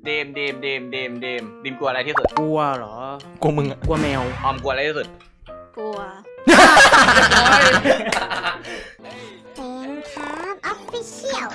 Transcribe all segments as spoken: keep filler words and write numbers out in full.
เดมเดมเดมเดมเดมดิมกลัวอะไรที่สุดกลัวเหรอกลัวมึงอะกลัวแมวออมกลัวอะไรที่สุดกลัวออฟฟิเชียล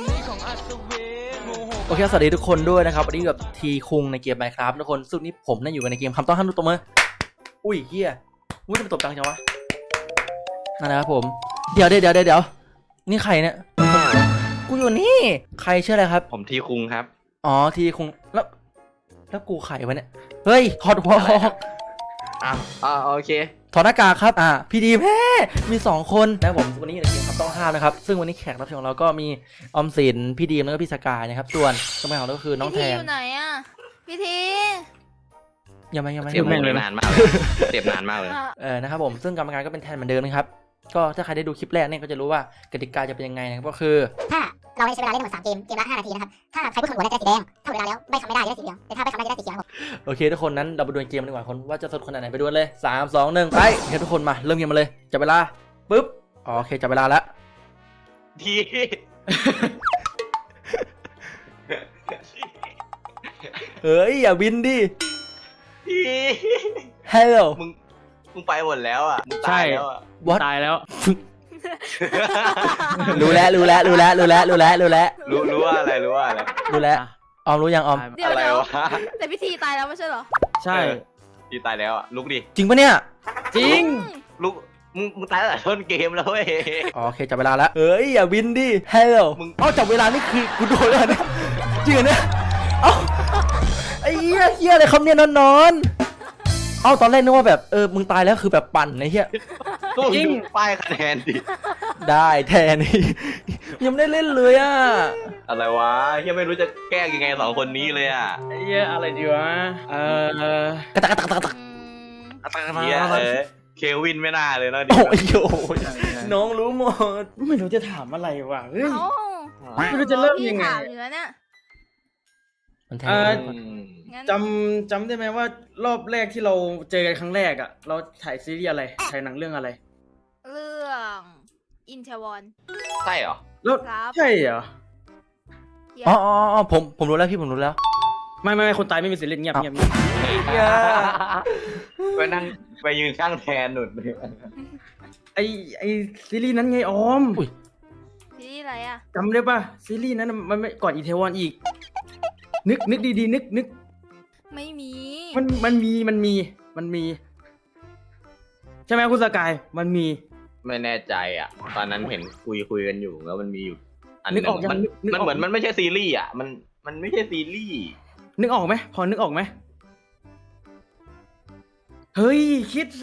โอเคสวัสดีทุกคนด้วยนะครับวันนี้กับทีคุงในเกม Minecraft ทุกคนสุดนี้ผมนั่งอยู่กันในเกมคำต้องห้ามทุกตัวมืออุ้ยเฮียอุ้ยมันตบจังจังวะนั่นนะครับผมเดี๋ยวเดี๋ยวเดี๋ยวเดี๋ยวนี่ใครเนี่ยกูอยู่นี่ใครชื่ออะไรครับผมทีคุงครับอ๋อทีคุงแล้วแล้วกูใครวะเนี่ยเฮ้ยถอดหัวออกอ้าวอ่าโอเคถอดหน้ากากครับอ่าพี่ดีแม่มีสองคนนะครับผมวันนี้อยู่ในเกมคำต้องห้ามนะครับซึ่งวันนี้แขกรับเชิญของเราก็มีออมสินพี่ดีมแล้วก็พี่สกายนะครับส่วนสมัยของเราก็คือน้องแทพี่ทีนอยู่ไหนอ่ะพี่ทียังไม่ยังไม่เสียบยังไม่นานมากเลยเสียบนานมากเลยอ่ะเออนะครับผมซึ่งกรรมการก็เป็นแทนเหมือนเดิมนะครับก็ถ้าใครได้ดูคลิปแรกเนี่ยก็จะรู้ว่ากติกาจะเป็นยังไงนะครับก็คือถ้าเราได้ใช้เวลาเล่นทั้งหมดสามเกม เกมละห้านาทีนะครับ ถ้าใครพูดคำหัวได้จะสีแดงถ้าหมดเวลาแล้วไม่คำไม่ได้จะได้สีเหลืองแต่ถ้าไม่คำได้จะได้สีเขียวครับโอเคทุกคนนั้นเราไปดูเกมดีกว่าคนว่าจะสดขนาดไหนไปดูเลยสามสองหนึ่งไปโอเคทุกคนมาเริ่มเกมมาเลยจับเวลาปุ๊บอ๋อโอเคจับเวลาแล้วทีเฮ้ยอย่าบินดิทีฮัลโหลมึงมึงไปหมดแล้วอ่ะมึงตายแล้วอ่ะ What ตายแล้วรู้แล้วรู้แล้วรู้แล้วรู้แล้วรู้แล้วรู้แล้วรู้รู้ว่าอะไรรู้ว่าอะไรรู้แล้วออมรู้ยังออมเดี๋ยวอะไรเดี๋ยววะแต่พี่ทีตายแล้วไม่ใช่เหรอใช่เออ ทีตายแล้วอ่ะลุกดิจริงปะเนี่ยจริงลุกมึงมึงตายตั้งแต่ต้นเกมแล้วเว้ยอ๋อโอเคจับเวลาแล้วเฮ้ยอย่าบินดิฮัลโหลมึงเอ้าจับเวลานี่คือกูโดนแล้วเนี่ยจริงเหรอเนี่ยเอ้าไอ้เหี้ยเหี้ยอะไรครับเนี่ยนอนนอนเอ้าตอนแรกนึกว่าแบบเออมึงตายแล้วคือแบบปั่นไอ้เหี้ยก็มึงดูป้ายคะแนนดิได้แทนนี่ยังไม่ได้เล่นเลยอ่ะอะไรวะเฮียไม่รู้จะแก้ยังไงสองคนนี้เลยอ่ะไอ้เหี้ยอะไรดีวะ เออกระตักกระตักกระตักอืมเฮียเออเควินไม่น่าเลยนะดิโอ้ยโอ้ยน้องรู้หมดไม่รู้จะถามอะไรวะเฮ้ยเอ้าไม่รู้จะเริ่มยังไงพี่ถามอยู่แล้วเนี่ยมันแทเอ่อนอืมงั้นจำจำได้ไหมว่ารอบแรกที่เราเจอกันครั้งแรกอ่ะ เราถ่ายซีรีส์อะไร ถ่ายหนังเรื่องอะไรเรื่องอินเทวอนใช่เหรอแล้วครับใช่เหรออ๋ออ๋ออ๋อผมผมรู้แล้วพี่ผมรู้แล้วไม่ไม่ไม่คนตายไม่มีสิทธิ์เล่นเงียบเงียบเงียบไปนั่งไปยืนข้างแทนหนุนไอไอซีรีส์นั้นไงออมอุ้ยพี่อะไรอ่ะจำได้ป่ะซีรีส์นั้นน่ะมันไม่ก่อนอีเทวอนอีก นึกนึกดีๆนึกนึกไม่มีมันมันมีมันมีมันมี ใช่ไหมคุณสกายมันมีไม่แน่ใจอ่ะ ตอนนั้นเห็นคุยคุยกันอยู่แล้วมันมีอยู่อันหนึนึกงออกยังมันนึกนึกมันออกเหมือนมันไม่ใช่ซีรีส์อ่ะมันมันไม่ใช่ซีรีส์นึกออกไหมพอนึกออกไหมเฮ้ยคิดสิ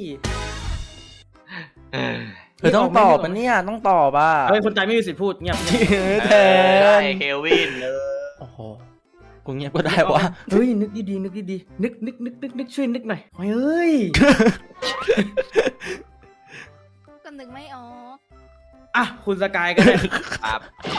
เออเธอต้องตอบมันเนี่ยต้องตอบอ่ะเฮ้ยคนตายไม่มีสิทธิ์พูดเงียบแทได้นเควินเออโอ้โหกูเงียบก็ได้วะเฮ้ยนึกดีๆนึกดีๆนึกนึกนึกนึกนึกช่วยนึกหน่อยเฮ้ยก็นึกไม่ออกอ่ะคุณสกายก็ได้ครับ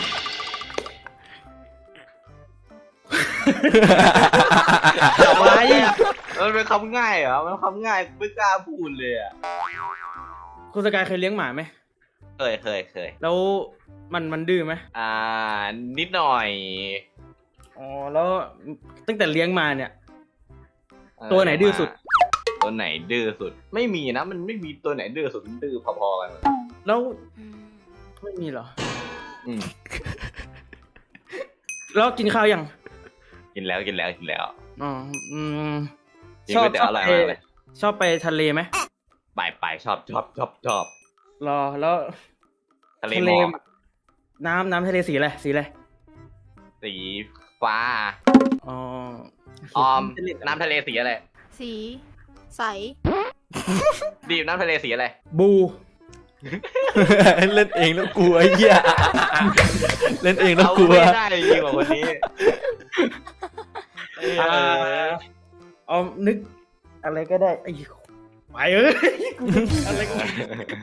อะไรมันเป็นคำง่ายเหรอมันคำง่ายไม่กล้าพูดเลยอ่ะคุณสกายเคยเลี้ยงหมาไหมเคยเคยเคยแล้วมันมันดื้อไหมอ่านิดหน่อยอ๋อแล้วตั้งแต่เลี้ยงมาเนี่ยเออตัวไหนดื้อสุดตัวไหนดื้อสุด ไม่มีนะมันไม่มีตัวไหนดื้อสุดมันดื้อพอๆกันแล้วอืมไม่มีเหรออืมแล้วกินข้าวยังกินแล้วกินแล้วกินแล้วอ๋ออืมกินก๋วยเตี๋ยวอร่อยมากเลยชอบไปทะเลไหมไปไปชอบชอบชอบชอบรอแล้วทะเลหมอกน้ำน้ำทะเลสีอะไรสีอะไรสีฟ้าอ๋อออมน้ำทะเลสีอะไรสีใสดีมน้ำทะเลสีอะไรบูเล่นเองแล้วกลัวไอ้เหี้ยเล่นเองแล้วเอากลัวไม่ได้จริงๆว่ะคนนี้อ่าออมนึก อะไรก็ได้ไอ้ไปเอ้ยกูนึกอะไรก็ได้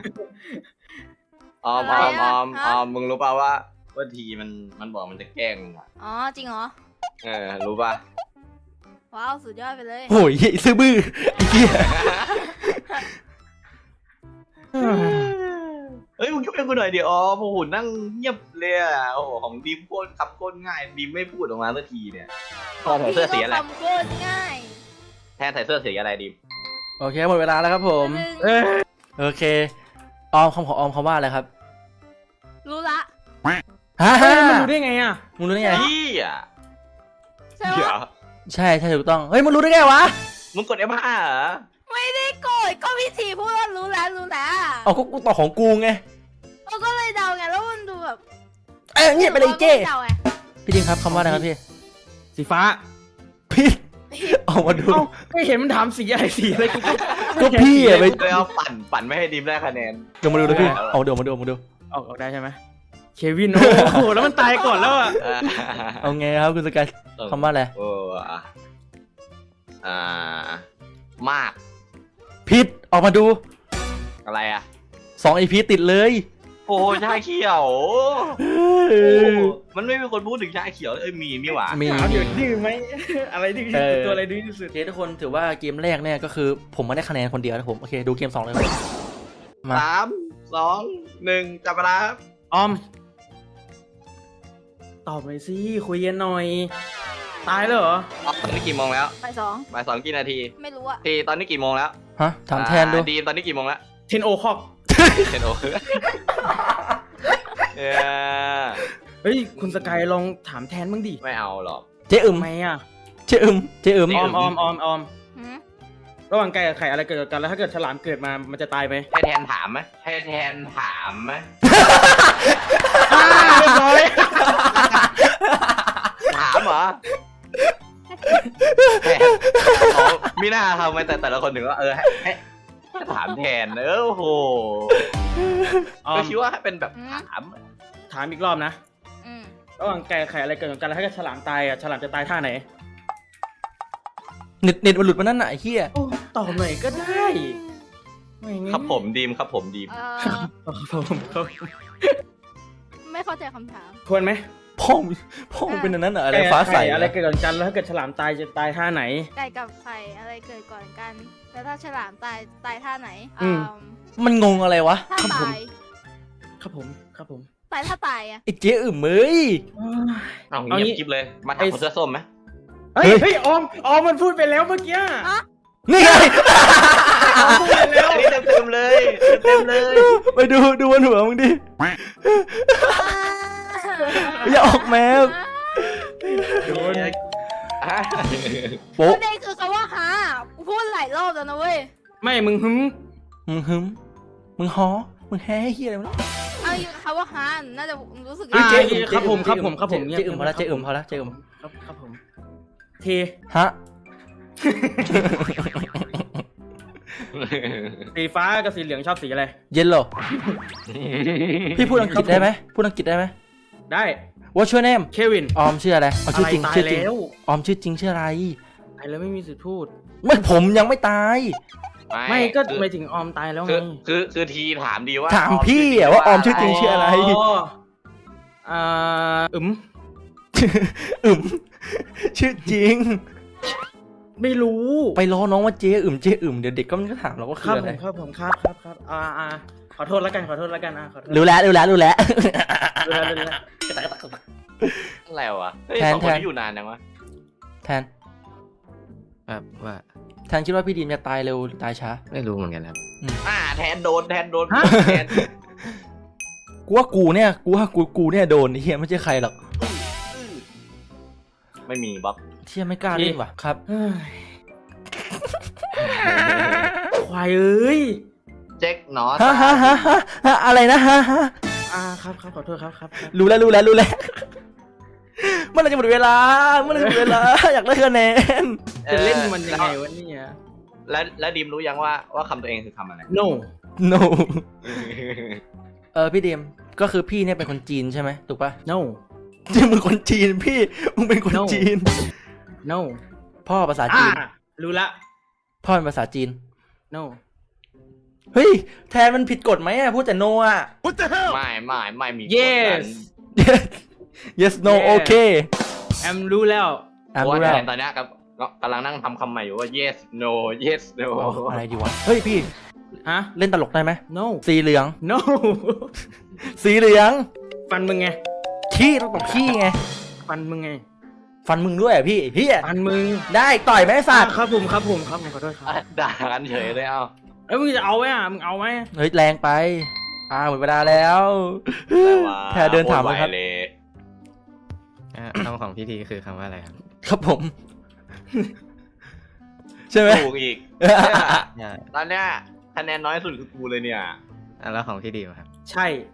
ออมออมออมออมมึงรู้ป่าวว่าว่าทีมันมันบอกมันจะแกล้งมึงอ่ะอ๋อจริงเหรอเออรู้ป่ะว้าวสุดยอดไปเลยโอ้ยซื้อบื้อไอ้เหี้ยเเฮ้ยมึงช่วยกูหน่อยดิอ๋อโอ้โหนั่งเงียบเลยอ่ะโอ้โหของดีมโคตรคำโคตรง่ายดีมไม่พูดออกมาสักทีเนี่ยแทนใส่เสื้อสีอะไรพี่ก็ทำโคตรง่ายแทนใส่เสื้อสีอะไรดีมโอเคหมดเวลาแล้วครับผมหนึ่งเอ้ยโอเคออมคำของออมคำว่าอะไรครับรู้ละฮ่าเฮ้ฮ่ายมันรู้ได้ไงอ่ะมึงรู้ได้ไงพี่อ่ะใช่เดี๋ยปะวใช่ใช่ถูกต้องเฮ้ยมึงรู้ได้ไงวะมึงกด เอฟ ห้า เหรอไม่ได้โกรธก็พี่ทีพูดว่ารู้แล้วรู้แล้วเอาก็กูต่อของกูไงเราก็เลยเดาไงแล้วมันดูแบบเอ้ยเงียบไปเลยเจ้เดาไงพี่ดิงครับคำว่าอะไรครับพี่สีฟ้าพี่ออกมาดูเอ้าไม่เห็นมันถามสีอะไรสีอะไรกูก็ก็พี่อะไปเลยเอาปั่นปั่นไม่ให้ดีมได้คะแนนเดี๋ยวมาดูนะพี่เอาเดี๋ยวมาดูมาดูออกออกได้ใช่ไหมเควินโอ้โหแล้วมันตายก่อนแล้วอ่ะเอาไงครับคุณสกายคำว่าอะไรโอ้อ่ะอ่ามากพิษออกมาดูอะไรอ่ะสองไอพีติดเลยโอ้ชาเขียวโอ้มันไม่มีคนพูดถึงชาเขียวเอ้ยมีนี่หว่ามีถามอยู่ดื้อไหมอะไรดื้อที่สุดตัวอะไรดื้อที่สุดโอเคทุกคนถือว่าเกมแรกเนี่ยก็คือผมไม่ได้คะแนนคนเดียวนะผมโอเคดูเกมสองเลยครับมาสามสองหนึ่งจับเวลาครับออม ตอบหน่อยสิคุยกันหน่อย ตายแล้วเหรออ๋อตอนนี้กี่โมงแล้วไปสองบ่ายสองกี่นาทีไม่รู้อะทีตอนนี้กี่โมงแล้วฮะถามแทนดูอ่าดีมตอนนี้กี่โมงแล้วเทนโอคอกเทนโอคือเออเฮ้ยคุณสกายลองถามแทนบ้างดิไม่เอาหรอกเจ๊อึมทำไมอ่ะเจ๊อึมเจ๊อึมออมออมออมออมหืมระหว่างไก่กับไข่อะไรเกิดกับกันแล้วถ้าเกิดฉลามเกิดมามันจะตายไหมให้แทนถามไหมให้แทนถามไหมเรียบร้อยถามเหรอแทนอ๋อมีหน้าทำไมแต่แต่ละคนถึงว่าเออให้ให้ให้ถามแทนเออโอ้โหออก็มคิดว่าเป็นแบบถามถามอีกรอบนะอืมระหว่างไก่กับไข่อะไรเกิดกับกันแล้วถ้าเกิดฉลามตายอ่ะฉลามจะตายท่าไหนเน็ตเน็ตมันหลุดมานั่นไหนะไอ้เหี้ยโอ้ตอบหน่อยก็ได้ไม่งั้นครับผมดีมครับผมดีมเออครับผมครับไม่เข้าใจคำถามควรไหมพ่อมึงพ่อมึงเป็นอันนั้นเหรออะไรไก่กับฟ้าใสไข่เหรอะไรอเกิดกับกันแล้วถ้าเกิดฉลามตายจะตายท่าไหนไก่กับไข่อะไรเกิดก่อนกัน แล้วถ้าฉลามตายตายท่าไหนอืมอ่ามันงงอะไรวะถ้าตายครับผมครับผมตายถ้าตายอะไอ้เจ๊อึมเอ้ยเอาเอาเงียงี้บคลิปเลยมาถามคนเสื้อส้มไหมเฮ้ยเฮ้ยเฮ้ยออมออมมันพูดไปแล้วเมื่อกี้นี่ไงออมพูดไปแล้วอันนี้เต็มเต็มๆเลยเต็มๆเลยไปดูดูบนหัวมึงดิอย่าออกแมวโดนอ่ะโป๊ะประเด็นคือคำว่าฮากูพูดหลายรอบแล้วนะเว้ยไม่มึงหึมมึงหึมมึงฮอมึงแฮ่เฮียอะไรวะเอาอยู่คำว่าฮาน่าจะรู้สึกอ่าเจ๊เจ๊ครับผมครับผมครับผมเจ๊อึมพอละเจ๊อึมพอละเจ๊อึมครับครับผมเทฮะสีฟ้ากับสีเหลืองชอบสีอะไรเย็นเหรอพี่พูดอังกฤษได้ไหมพูดอังกฤษได้ไหมได้ What's your name เควินออมชื่ออะไรเอาชื่อจริงตายชื่อจริงแล้วออมชื่อจริงชื่ออะไรตายแล้วไม่มีสิทธิ์พูดไม่ผมยังไม่ตายไม่ก็คือหมายถึงออมตายแล้วไงคือคือคือทีถามดีว่าถามพี่อะว่าออมชื่อจริงชื่ออะไรอ่าอึมอึมชื่อจริงไม่รู้ไปล้อน้องว่าเจ๊อึมเจ๊อึมเดี๋ยวเด็กก็มันก็ถามเราว่าคคืรับออะผไรมครับผมครับครับครับอ่าอ่าขอโทษแล้วกันขอโทษแล้วกันอ่ะขอโทษรู้แล้วรู้แล้วรู้แล้วรู้แล้วรู้แล้วอะไรวะเฮ้ยแทนสองคนแทนที่อยู่นานจังวะแทนครับว่าแทนคิดว่าพี่ดีมจะตายเร็วหรือตายช้าไม่รู้เหมือนกันครับอ่าแทนโดนแทนโดนแทนกูว่ากูเนี่ยกูว่ากูกูเนี่ยโดนไอ้เฮียไม่ใช่ใครหรอกไม่มีบ๊อบเที่ยไม่กล้าเล่นว่ะครับเฮ้ยควายเอ้ยเจ๊กหนอฮะฮะฮะฮะฮะอะไรนะฮะฮะอ่าครับครับขอโทษครับครับครับรู้แล้วรู้แล้วรู้แล้วเมื่อไหรจะหมดเวลาเมื่อไหรจะหมดเวลาอยากได้คะแนนจะเล่นมันยังไงวะเนี่ยแล้วแล้วดีมรู้ยังว่าว่าคำตัวเองคือคำอะไร no no เออพี่ดีมก็คือพี่เนี่ยเป็นคนจีนใช่ไหมถูกปะ no จริงมึงคนจีนพี่มึงเป็นคน No จีน no พ่อภาษาอ่าจีนรู้ละพ่อเป็นภาษาจีน no เฮ้ยแทนมันผิดกฎไหมอะพูดแต่ no อะไม่ไม่ไม่มีกฎ yes นั้น yes no Yes okay แอมรู้แล้วอ่ะเพราะรู้ว่าแล้วแทนตอนเนี้ยกับกำลังนั่งทำคำใหม่อยู่ว่า yes no yes no อ๋ออะไรดีวะเฮ้ยพี่ฮะเล่นตลกได้ไหม no สีเหลือง no สีเหลืองฟันมึงไงขี้ต้องตบขี้ไงฟันมึงไงฟันมึงด้วยอ่ะพี่เฮียฟันมึงได้ต่อยไหมสัตว์ครับผมครับผมครับผมขอโทษครับด่ากันเฉยเลยเอ้าเอ้ยมึงจะเอาไหมอ่ะมึงเอาไหมเฮ้ยแรงไปอ่าหมดเวลาแล้ว แพรเดินถามเลยครับโตไหเลยอ่ะคำของพี่ทีคือคำว่าอะไรครับครับผม ใช่ไหมถูกอีกอ่าตอนเนี้ยคะแนนน้อยสุดคือกูเลยเนี่ยอ่ะแล้วของพี่ดีมครับใช่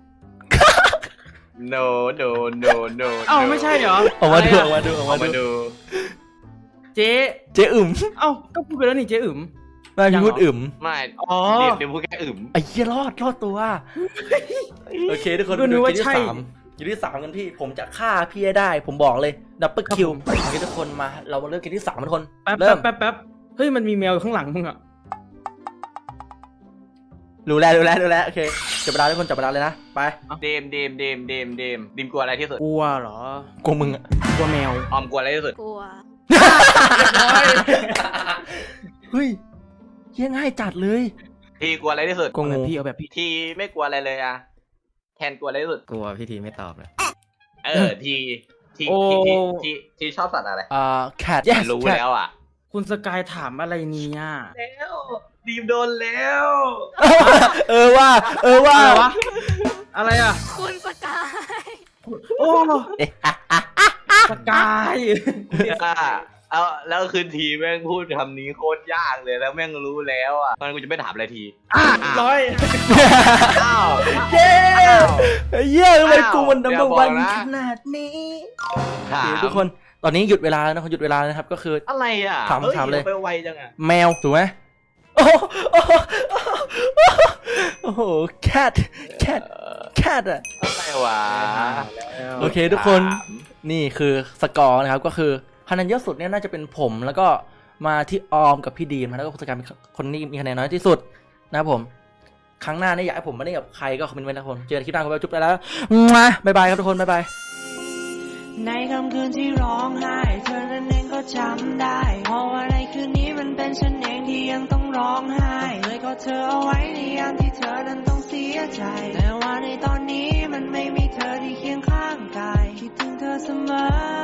no no no no เอ้าไม่ใช่เหรอออกมาดูออะอกไรมาดูออกเอามามาดูดูเจ๊เจ๊อึ๋มเอ้าก็พูดไปแล้วนี่เจ๊อึ๋มไม่ยังพี่เหรอพูดอึ๋มไม่อ๋อเดี๋ยวเดี๋ยวพูดแค่อึมไอ้เหี้ยรอดรอดตัว โอเคทุกคนก็นึกว่าเกมที่ใช่สามเกมที่สามกันพี่ ผมจะฆ่าพี่ให้ได้ ผมบอกเลยดับเบิลคิวครับผมโอเคทุกคนมา เรามาเริ่มเกมที่สามทุกคนแป๊บเริ่แป๊มบแป๊บแป๊บเฮ้ยมันมีแมวอยู่ข้างหลังมึงอ่ะรู้แล้วรู้แล้วรู้แล้วโอเคจับเวลาทุกคนจับเวลาเลยนะไปเดมเดมเดมเดมเดมดิมกลัวอะไรที่สุดกลัวเหรอกลัวมึงอะกลัวแมวออมกลัวอะไรที่สุดกลัวเฮ้ยเหี้ยง่ายจัดเลยทีกลัวอะไรที่สุดกลัวเอาแบบงูพี่เอาแบบพี่ทีไม่กลัวอะไรเลยอะแทนกลัวอะไรที่สุดกลัวพี่ทีไม่ตอบเลยเออทีทีโอ้ทีทีทีทีชอบสัตว์อะไรอ่า cat yes รู้ cat แล้วอ่ะคุณสกายถามอะไรเนี่ยแล้วดีมโดนแล้วเออว่า เออว่าอะไรวะ อะไรอ่ะคุณสกายโอ้สกายอ่ะเอาแล้วคืนทีแม่งพูดคำนี้โคตรยากเลยแล้วแม่งรู้แล้วอ่ะตอนนนกูจะไม่ถามอะไรทีร้อยอ้าวเย้เย้ทำไมอ้าวกูมันดัมเบิลอย่าบอกวันนะขนาดนี้ถาโอมเคทุกคนตอนนี้หยุดเวลาแล้วนะคนหยุดเวลาแล้วนะครับก็คืออะไรอ่ะถามอ้ถามเลยไปไวจังอ่ะแมวถูกไหมโอ้โหโอ้โห cat cat cat อะอะไรวะโอเคทุกคนนี่คือสกอร์นะครับก็คือคะแนนเยอะสุดเนี่ยน่าจะเป็นผมแล้วก็มาที่ออมกับพี่ดีมนะแล้วก็คุณสกายเป็นคนที่มีคะแนนน้อยที่สุดนะครับผมครั้งหน้าเนี่ยอยากให้ผมมาเล่นกับใครก็คอมเมนต์ไว้นะครับผมเจอกันคลิปหน้าก็ไปจุ๊บได้แล้วมาบ๊ายบายครับทุกคนบ๊ายบายในค่ำคืนที่ร้องไห้เธอนั้นเองก็จำได้เพราะว่าในคืนนี้มันเป็นฉันเองที่ยังต้องร้องไห้เลยก็เธอเอาไว้ในยามที่เธอนั้นต้องเสียใจแต่ว่าในตอนนี้มันไม่มีเธอที่เคียงข้างกายคิดถึงเธอเสมอ